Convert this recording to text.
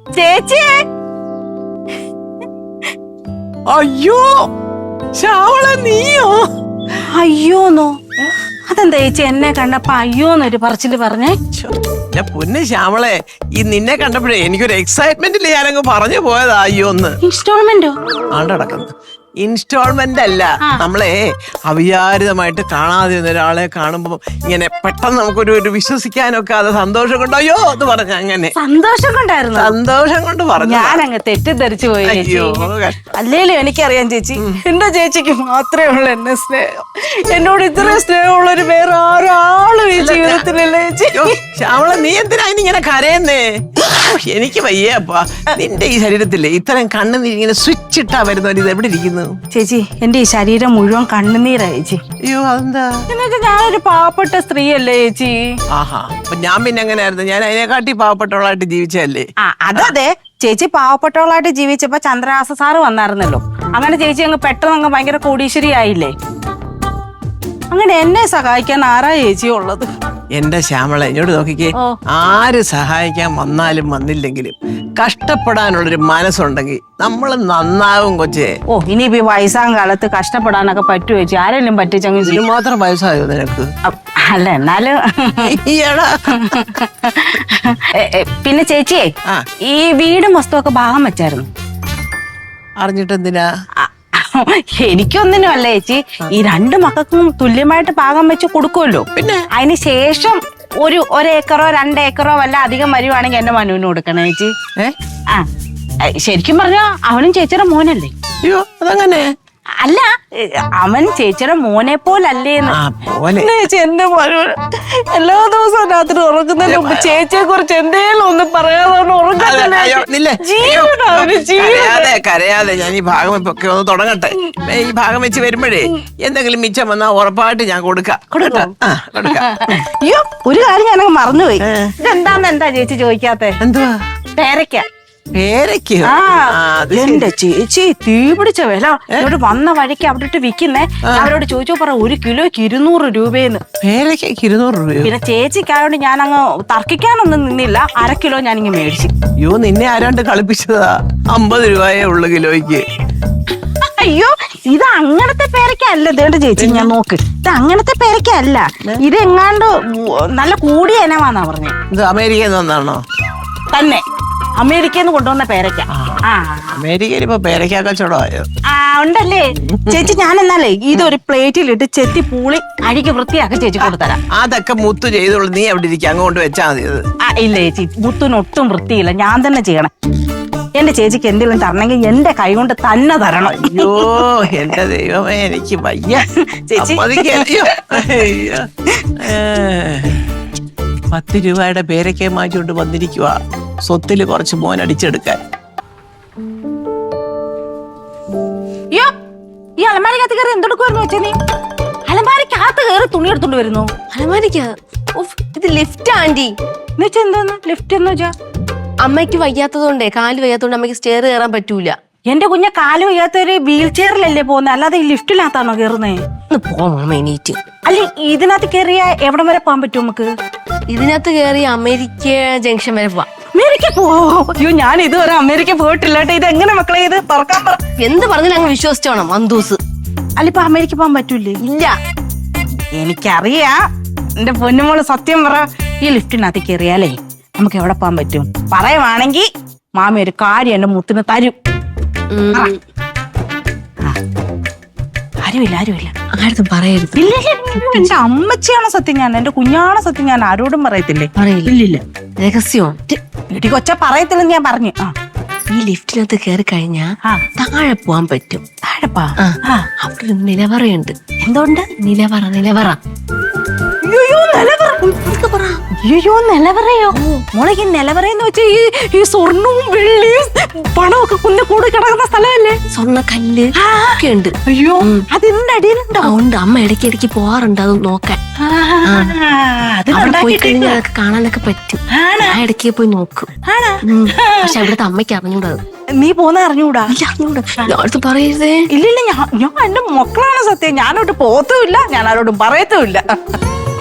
ചേച്ചി. അയ്യോ ശ്യാമള നീയോ? അയ്യോന്നോ? അതെന്താ ചേച്ചി എന്നെ കണ്ടപ്പോ അയ്യോന്നൊരു പറച്ചില് പറഞ്ഞേ? പൊന്ന് ശ്യാമളെ, ഈ നിന്നെ കണ്ടപ്പോഴേ എനിക്കൊരു എക്സൈറ്റ്മെന്റിൽ ഞാനങ്ങ് പറഞ്ഞു പോയതാ അയ്യോന്ന്. ഇൻസ്റ്റാൾമെന്റോ? ആണ്ടടക്കുന്നു. ഇൻസ്റ്റാൾമെന്റ് അല്ല, നമ്മളെ അവിചാരിതമായിട്ട് കാണാതിരുന്ന ഒരാളെ കാണുമ്പോ ഇങ്ങനെ പെട്ടെന്ന് നമുക്കൊരു വിശ്വസിക്കാനൊക്കെ അത് സന്തോഷം കൊണ്ട് അയ്യോ എന്ന് പറഞ്ഞ അങ്ങനെ സന്തോഷം കൊണ്ടായിരുന്നു. സന്തോഷം കൊണ്ട് പറഞ്ഞു. ഞാനങ്ങ് തെറ്റിദ്ധരിച്ചു പോയി ചേച്ചി. അയ്യോ അല്ലേലും എനിക്കറിയാം ചേച്ചി, എന്റെ ചേച്ചിക്ക് മാത്രമേ ഉള്ളൂ എന്നെ സ്നേഹം. എന്നോട് ഇത്രയും സ്നേഹമുള്ളൊരു വേറെ ആരാളും ഈ ജീവിതത്തിലല്ലേ ചേച്ചി. ശ്യാമള നീ എന്തിനാ ഇങ്ങനെ കരയുന്നേ? എനിക്ക് വയ്യപ്പാ. നിന്റെ ഈ ശരീരത്തില്ലേ ഇത്രയും കണ്ണുനീരിങ്ങനെ സ്വിച്ച് ഇട്ടാ വരുന്നവർ ഇത് എവിടെ ഇരിക്കുന്നു? ചേച്ചി എന്റെ ഈ ശരീരം മുഴുവൻ കണ്ണുനീരാ ചേച്ചി. അയ്യോ അതെന്താ? എന്നുവെച്ചാ ഞാനൊരു പാവപ്പെട്ട സ്ത്രീയല്ലേ ചേച്ചി. ആഹാ, അപ്പൊ ഞാൻ പിന്നെ എങ്ങനെയായിരുന്നു? ഞാൻ അതിനെക്കാട്ടി പാവപ്പെട്ടവളായിട്ട് ജീവിച്ചല്ലേ? അതെ, ചേച്ചി പാവപ്പെട്ടവളായിട്ട് ജീവിച്ചപ്പോ ചന്ദ്രഹാസ സാറ് വന്നായിരുന്നല്ലോ. അങ്ങനെ ചേച്ചി അങ്ങ് പെട്ടെന്ന് അങ്ങ് ഭയങ്കര കോടീശ്വരി ആയില്ലേ. അങ്ങനെ എന്നെ സഹായിക്കാൻ ആരാ ചേച്ചി ഉള്ളത്? എന്റെ ശ്യാമള എന്നോട് നോക്കിക്കേ, ആര് സഹായിക്കാൻ വന്നാലും വന്നില്ലെങ്കിലും കഷ്ടപ്പെടാനുള്ളൊരു മനസ്സുണ്ടെങ്കിൽ നമ്മൾ നന്നാവും കൊച്ചേ. ഇനിയിപ്പോ വയസ്സാം കാലത്ത് കഷ്ടപ്പെടാനൊക്കെ പറ്റുമോ ചേച്ചി? ആരെങ്കിലും പറ്റിച്ചങ്ങ് ഇത് മാത്രം വയസ്സായോ നിനക്ക്? അല്ല എന്നാലും പിന്നെ ചേച്ചിയെ ഈ വീടും വസ്തുവൊക്കെ ഭാഗം വെച്ചായിരുന്നു. അറിഞ്ഞിട്ടെന്തിനാ? എനിക്കൊന്നിനും അല്ല ചേച്ചി, ഈ രണ്ട് മക്കൾക്കും തുല്യമായിട്ട് ഭാഗം വെച്ച് കൊടുക്കുമല്ലോ. പിന്നെ അതിന് ശേഷം ഒരേക്കറോ 2 ഏക്കറോ വല്ല അധികം വരുവാണെങ്കിൽ എന്റെ മനുവിന് കൊടുക്കണം ചേച്ചി. ശരിക്കും പറഞ്ഞാ അവനും ചേച്ചിയുടെ മോനല്ലേ? അയ്യോ അതങ്ങനെ അല്ല, അവൻ ചേച്ചിയുടെ മോനെ പോലല്ലേന്ന്. ചേച്ചി എന്റെ മോനോട് എല്ലാ ദിവസവും രാത്രി ഉറങ്ങുന്നതിന് മുമ്പ് ചേച്ചിയെ കുറിച്ച് എന്തേലും ഒന്ന് പറയാതെ കരയാതെ. ഞാൻ ഈ ഭാഗം ഒക്കെ ഒന്ന് തുടങ്ങട്ടെ. ഈ ഭാഗം വെച്ച് വരുമ്പോഴേ എന്തെങ്കിലും മിച്ചം വന്നാ ഉറപ്പായിട്ട് ഞാൻ കൊടുക്കാം. അയ്യോ ഒരു കാര്യം ഞാനങ്ങ് മറന്നുപോയി. എന്താ ചേച്ചി ചോദിക്കാത്തെ? എന്തുവാ? പേരയ്ക്ക. പേരയ്ക്ക്? എന്റെ ചേച്ചി തീ പിടിച്ച വില. ഇവിടെ വന്ന വഴിക്ക് അവിടെ ഇട്ട് വിൽക്കുന്നേ. അവരോട് ചോദിച്ചു പറ 1 കിലോയ്ക്ക് 200 രൂപയെന്ന്. പേരയ്ക്ക് 200 രൂപ? പിന്നെ ചേച്ചിക്കായോണ്ട് ഞാൻ അങ്ങ് തർക്കിക്കാനൊന്നും നിന്നില്ല. 1/2 കിലോ ഞാനിങ്ങ് മേടിച്ചു. അയ്യോ നിന്നെ ആരാണ്ട് കളിപ്പിച്ചതാ. 50 രൂപയേ ഉള്ളു കിലോയ്ക്ക്. അയ്യോ ഇത് അങ്ങനത്തെ പേരയ്ക്കല്ല. ഇതേണ്ട ചേച്ചി ഞാൻ നോക്ക്, ഇത് അങ്ങനത്തെ പേരയ്ക്കല്ല. ഇത് എങ്ങാണ്ട് നല്ല കൂടിയ ഇനമാന്നാ പറഞ്ഞേ. ഇത് അമേരിക്കയിൽ നിന്നാണോ? തന്നെ അമേരിക്കയിൽ നിന്ന് കൊണ്ടുവന്ന പേരയ്ക്ക. അമേരിക്കയിൽ ഇപ്പൊ പേരയ്ക്ക കച്ചവടമായോ? ഉണ്ടല്ലേ ചേച്ചി. ഞാൻ എന്നാലേ ഇതൊരു പ്ലേറ്റിലിട്ട് ചെത്തി പൂളി അഴിക്ക് വൃത്തിയാക്കി ചേച്ചി കൊടുത്തരാം. അതൊക്കെ മുത്തു ചെയ്തോളൂ, നീ അവിടെ ഇരിക്കും, അങ്ങോട്ട് വെച്ചാ മതി. ഇല്ല ചേച്ചി, മുത്തിനൊട്ടും വൃത്തിയില്ല. ഞാൻ തന്നെ ചെയ്യണം. എന്റെ ചേച്ചിക്ക് എന്തെങ്കിലും തരണമെങ്കിൽ എന്റെ കൈ കൊണ്ട് തന്നെ തരണം. അയ്യോ എന്റെ ദൈവമേ എനിക്ക് വയ്യ ചേച്ചി. 10 രൂപയുടെ പേരയ്ക്ക മാറ്റിക്കൊണ്ട് വന്നിരിക്കുക സ്വത്തില് കുറച്ച് മോൻ അടിച്ചെടുക്കാൻ. അയ്യോ ഈ അലമാരിക്കകത്ത് കയറി എന്തെടുക്കുവായിരുന്നു വെച്ചാ നീ? അലമാരിക്കകത്ത് കയറി തുണി എടുത്തോണ്ട് വരുന്നു. ഇത് ലിഫ്റ്റ് ആന്റി. എന്നുവെച്ചാ എന്താന്ന് ലിഫ്റ്റ് എന്ന് വെച്ചാ? അമ്മയ്ക്ക് വയ്യാത്തതുകൊണ്ടേ, കാല് വയ്യാത്തതുകൊണ്ട് അമ്മയ്ക്ക് സ്റ്റെയർ കയറാൻ പറ്റൂല. എന്റെ കുഞ്ഞെ കാല് വയ്യാത്തൊരു വീൽ ചെയറിലല്ലേ പോകുന്നത്, അല്ലാതെ ഈ ലിഫ്റ്റിനകത്താണോ കയറുന്നേ? എണീറ്റ്. അല്ലെ ഇതിനകത്ത് കയറിയ എവിടം വരെ പോകാൻ പറ്റും നമുക്ക്? ഇതിനകത്ത് കയറി അമേരിക്ക ജംഗ്ഷൻ വരെ പോവാം. അമേരിക്ക പോവോ? അയ്യോ ഞാൻ ഇതുവരെ അമേരിക്ക പോയിട്ടില്ല കേട്ടോ. ഇത് എങ്ങനെ മക്കളെ ഇത് പറക്കാൻ പറ? എന്ത് പറഞ്ഞാലും അങ്ങ് വിശ്വസിച്ചോണം അന്തൂസ്. അല്ല ഇപ്പൊ അമേരിക്ക പോകാൻ പറ്റൂലേ? ഇല്ല എനിക്കറിയാം എന്റെ പൊന്നുമോള്. സത്യം പറ, ഈ ലിഫ്റ്റിനകത്ത് കയറിയാലേ നമുക്ക് എവിടെ പോകാൻ പറ്റും? പറയുവാണെങ്കിൽ മാമി ഒരു കാര്യം എന്റെ മുത്തിന് തരും. ആരുമില്ല ആരും പറയരുത്. ഇല്ല എന്റെ അമ്മച്ചിയാണ് സത്യം, ഞാൻ എന്റെ കുഞ്ഞാണ് സത്യം, ഞാൻ ആരോടും പറയത്തില്ലേ. ഇല്ലില്ല രഹസ്യം. ഇടി കൊച്ച പറയത്തില്ലെന്ന് ഞാൻ പറഞ്ഞു. ഈ ലിഫ്റ്റിനകത്ത് കയറി കഴിഞ്ഞാ താഴെ പോവാൻ പറ്റും. താഴെ അവിടെ ഒരു നിലവറയുണ്ട്. എന്തുകൊണ്ട്? നിലവറ. അയ്യോ നിലവറയോ? മോളെ നിലവറയെന്ന് വെച്ചാ ഈ സ്വർണവും വെള്ളിയും പണമൊക്കെ കൂടി കിടക്കുന്ന സ്ഥലമല്ലേ? സ്വർണ്ണക്കല്ല് ഒക്കെ ഉണ്ട്. അയ്യോ അതിന്റെ അടിയിലുണ്ടോ? ഉണ്ട്. അമ്മ ഇടയ്ക്ക് പോവാറുണ്ട് അത് നോക്കാൻ. അവിടെ പോയി കഴിഞ്ഞാൽ അതൊക്കെ കാണാനൊക്കെ പറ്റും. ഞാൻ ഇടയ്ക്ക് പോയി നോക്കും. പക്ഷെ അവിടുത്തെ അമ്മയ്ക്ക് അറിഞ്ഞൂടാ. നീ പോന്ന അറിഞ്ഞൂടാ? ഞാനടുത്ത് പറയരുതേ. ഇല്ലില്ല ഞാൻ എന്റെ മക്കളാണ് സത്യം. ഞാനോട്ട് പോത്തുമില്ല, ഞാൻ ആരോടും പറയത്തുമില്ല.